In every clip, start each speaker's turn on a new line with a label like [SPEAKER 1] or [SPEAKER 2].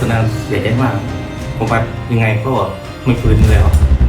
[SPEAKER 1] ตอนนั้นเสียใจมากผมว่ายังไงก็ไม่ฟื้นแล้ว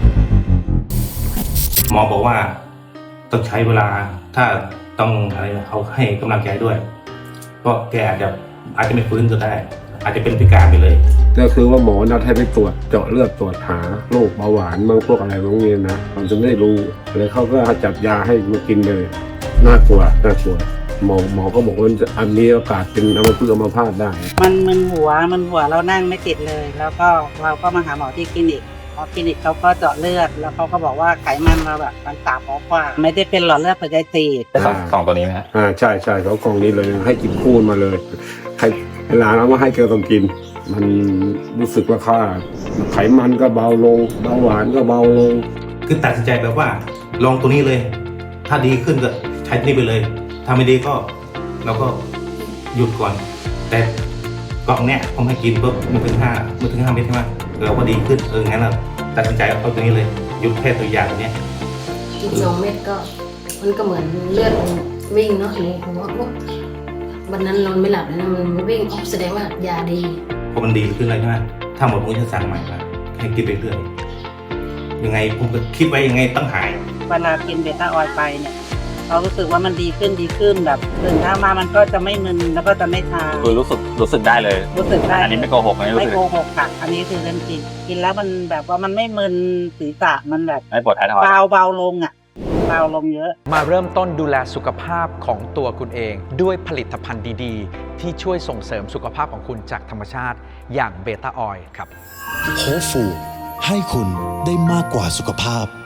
[SPEAKER 1] หมอบอกว่าต้องใช้เวลาถ้าต้องอะไรเขาให้กำลังใจด้วยเพราะแกอาจจะไม่ฟื้นก็ได้อาจจะเป็นพิการไปเลย
[SPEAKER 2] ก็คือว่าหมอนัดให้ไปตรวจเจาะเลือดตรวจหาโรคเบาหวานบางพวกอะไรบางอย่างนะเราจะไม่รู้เลยเขาก็จัดยาให้มากินเลยน่ากลัวหมอก็บอกว่าอันนี้โอกาสเป็นอัมพฤกษ์อัมพาตได้
[SPEAKER 3] มันหัวเรานั่งไม่ติดเลย แล้วก็เราก็มาหาหมอที่คลินิกคลินิกเขาก็เจาะเลือดแล้วเขาก็บอกว่าไขมันเราแบบมันต่ำกว่าไม่ได้เป็นหลอดเลือดหัวใจตีบ
[SPEAKER 4] สองตัวนี้ไหมฮะ
[SPEAKER 2] ใช่เขากล่องนี้เลยให้กินคู่มาเลยใครหลานเอามาให้แกต้องกินมันรู้สึกว่าค่าไขมันก็เบาลงเบาหวานก็เบาลง
[SPEAKER 1] คือตัดสินใจแบบว่าลองตัวนี้เลยถ้าดีขึ้นก็ใช้นี่ไปเลยถ้าไม่ดีก็เราก็หยุดก่อนแต่กล่องเนี้ยผมให้กินปุ๊บมันถึง5 เม็ดใช่ไหมเราก็ดีขึ้นงั้นเราตัดสินใจเอาตัวนี้เลยหยุดแค่ตัวยาตัวเนี้ย
[SPEAKER 5] กิน2 เม็ดก็มันก็เหมือนเลือดวิ่งเนาะนี่ผมว่าวันนั้นนอนไม่หลับเลยนะมันวิ่งแสดงว่ายาดี
[SPEAKER 1] พอมันดีขึ้นเลยใช่ไหมถ้าหมดผมจะสั่งใหม่มาให้กินไปเรื่อยยังไงผมก็คิดไว้ยังไงต้องหาย
[SPEAKER 3] เวลากินเบต้าออยล์ไปเนี่ยเรารู้สึกว่ามันดีขึ้นแบบตื่นเช้ามามันก็จะไม่มึนแล้วก็จะไม่ชา
[SPEAKER 4] คือรู้สึกได้เลย
[SPEAKER 3] รู้สึกได้
[SPEAKER 4] อันนี้ไม่โกหก
[SPEAKER 3] ไม่โกหกค่ะอันนี้คือเรื่องจริงกินแล้วมันแบบว่ามันไม่มึนศีรษะมันแบบ
[SPEAKER 4] ไม่ปวดท้ายทอย
[SPEAKER 3] เบาลงเบาลงเยอะ
[SPEAKER 6] มาเริ่มต้นดูแลสุขภาพของตัวคุณเองด้วยผลิตภัณฑ์ดีๆที่ช่วยส่งเสริมสุขภาพของคุณจากธรรมชาติอย่างเบต้าออยล์ครับ
[SPEAKER 7] โฮฟูให้คุณได้มากกว่าสุขภาพ